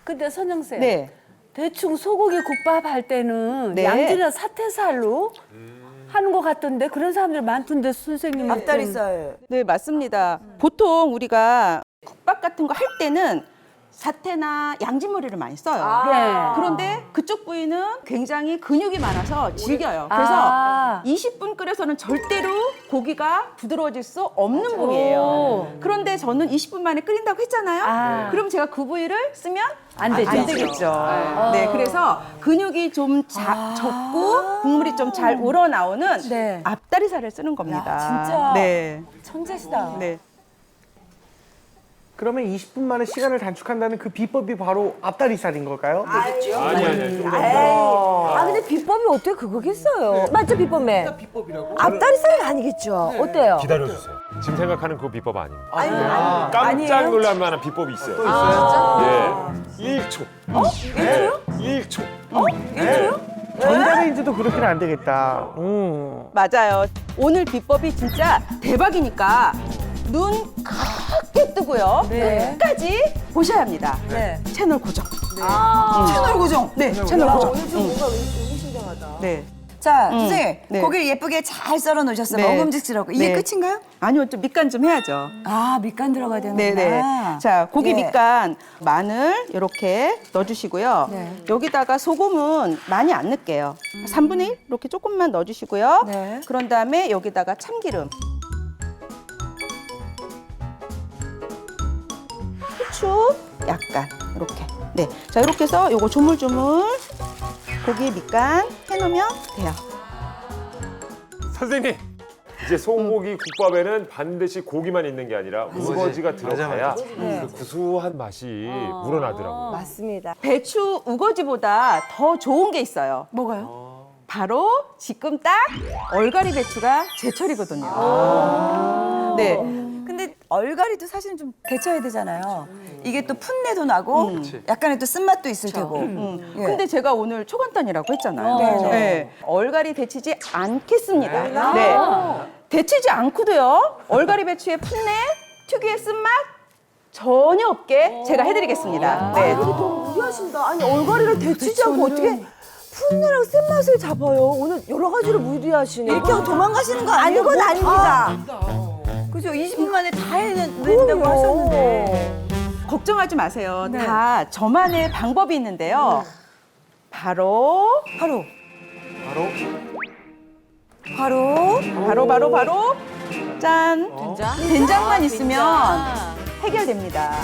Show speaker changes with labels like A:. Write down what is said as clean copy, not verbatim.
A: 근데 선영쌤.
B: 네.
A: 대충 소고기 국밥 할 때는
B: 네.
A: 양지나 사태살로 하는 것 같던데 그런 사람들 많던데 선생님.
C: 앞다리살.
B: 네, 맞습니다. 보통 우리가 국밥 같은 거 할 때는 사태나 양지머리를 많이 써요.
A: 네.
B: 그런데 그쪽 부위는 굉장히 근육이 많아서 질겨요.
A: 아.
B: 그래서 20분 끓여서는 절대로 고기가 부드러워질 수 없는 부위예요. 그런데 저는 20분 만에 끓인다고 했잖아요.
A: 아.
B: 그럼 제가 그 부위를 쓰면
A: 안 되죠.
B: 안 되겠죠. 네, 그래서 근육이 좀 적고 국물이 좀 잘 우러나오는
C: 네.
B: 앞다리살을 쓰는 겁니다.
C: 야, 진짜.
B: 네.
C: 천재시다.
B: 네.
D: 그러면 20분 만에 시간을 단축한다는 그 비법이 바로 앞다리살인 걸까요?
E: 아니.
C: 아 근데 비법이 어떻게 그거겠어요? 맞죠 비법에? 앞다리살은 아니겠죠? 어때요?
E: 기다려주세요. 지금 생각하는 그 비법 아닙니다.
C: 아니에요?
E: 깜짝 놀랄 만한 비법이 있어요. 예. 1초. 1초요? 1초.
C: 1초요?
D: 전자레인지도 그렇게는 안 되겠다.
B: 맞아요. 오늘 비법이 진짜 대박이니까 눈 크게 뜨고요.
C: 네.
B: 끝까지 보셔야 합니다.
C: 네.
B: 채널 고정.
C: 채널 고정.
B: 네, 채널 고정.
C: 오늘 좀 뭔가 의미심장하다.
B: 네.
C: 자, 선생님
B: 네.
C: 고기를 예쁘게 잘 썰어 놓으셨어요.
B: 네.
C: 먹음직스럽고 이게
B: 네.
C: 끝인가요?
B: 아니요, 좀 밑간 좀 해야죠.
C: 아 밑간 들어가야 되는구나.
B: 네네. 자, 고기
C: 예.
B: 밑간 마늘 이렇게 넣어주시고요.
C: 네.
B: 여기다가 소금은 많이 안 넣을게요. 3분의 1 이렇게 조금만 넣어주시고요.
C: 네.
B: 그런 다음에 여기다가 참기름. 후추 약간 이렇게. 네. 자, 이렇게 해서 요거 조물조물 고기 밑간 해놓으면 돼요.
E: 선생님. 이제 소고기 국밥에는 반드시 고기만 있는 게 아니라 우거지가 들어가야 그 구수한 맛이 우러나더라고요.
C: 맞습니다.
B: 배추 우거지보다 더 좋은 게 있어요.
C: 뭐가요?
B: 바로 지금 딱 얼갈이 배추가 제철이거든요. 네.
C: 근데 얼갈이도 사실은 좀 데쳐야 되잖아요. 이게 또 풋내도 나고 약간의 또 쓴맛도 있을 테고. 예.
B: 근데 제가 오늘 초간단이라고 했잖아요.
C: 네.
B: 네. 얼갈이 데치지 않겠습니다. 네. 데치지 않고도요. 얼갈이 배추의 풋내, 특유의 쓴맛 전혀 없게 제가 해드리겠습니다. 네.
C: 너무 무리하신다. 아니 얼갈이를 데치지 않고 어떻게 풋내랑 쓴맛을 잡아요? 오늘 여러 가지로 무리하시네. 이렇게 하고 도망가시는 거 아니에요? 아니건 아닙니다. 그죠? 20분 만에 다 해낸다고 하셨는데.
B: 걱정하지 마세요. 다 저만의 방법이 있는데요. 바로 짠! 된장만 있으면 해결됩니다.